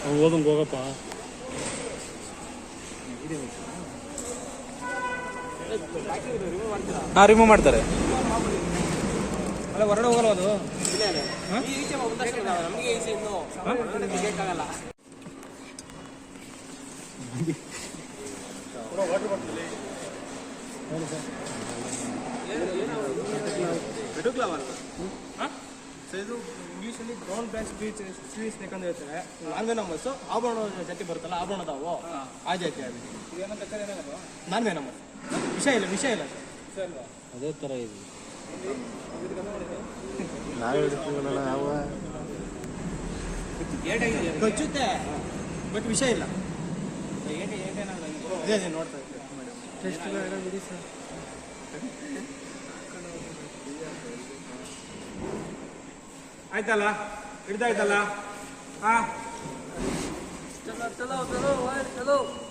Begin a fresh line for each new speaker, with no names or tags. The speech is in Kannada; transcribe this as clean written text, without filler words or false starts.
ಓದಂಗೆ ಹೋಗಪ್ಪ.
ಹಾಂ, ರಿಮೂವ್ ಮಾಡ್ತಾರೆ.
ಅಲ್ಲ ಹೊರಗಡೆ ಹೋಗಲ್ಲ ಅದು.
ನಮಗೆ ಈಚೆ ಇನ್ನು ಬೇಕಾಗಲ್ಲ.
ಇದು ಇಂಗ್ಲೀಷಲ್ಲಿ ಬ್ರೌನ್ ಬ್ಯಾಕ್ ಸ್ವೀಟ್ ಸ್ನೇಕ್ ಅಂತ ಹೇಳ್ತಾರೆ. ನಾನ್ವೆನಮಸ್ ಆಭರಣ ಜಾತಿ ಬರುತ್ತಲ್ಲ, ಆಭರಣದಾವು ಆ ಜಾತಿ ಆಗಿದೆ. ನಾನ್ವೆನಮಸ್ ವಿಷ ಇಲ್ಲ
ಅದೇ ಥರ ಇದೆ.
ಕಚ್ಚುತ್ತೆ ಬಟ್ ವಿಷ ಇಲ್ಲ. ಅದೇ ನೋಡ್ತಾ ಇದ್ದೀವಿ. ಆಯ್ತಲ್ಲ, ಹಿಡ್ದಾಯ್ತಲ್ಲ. ಹಾ,
ಚಲೋ ಚಲೋ ಚಲೋ ಚಲೋ.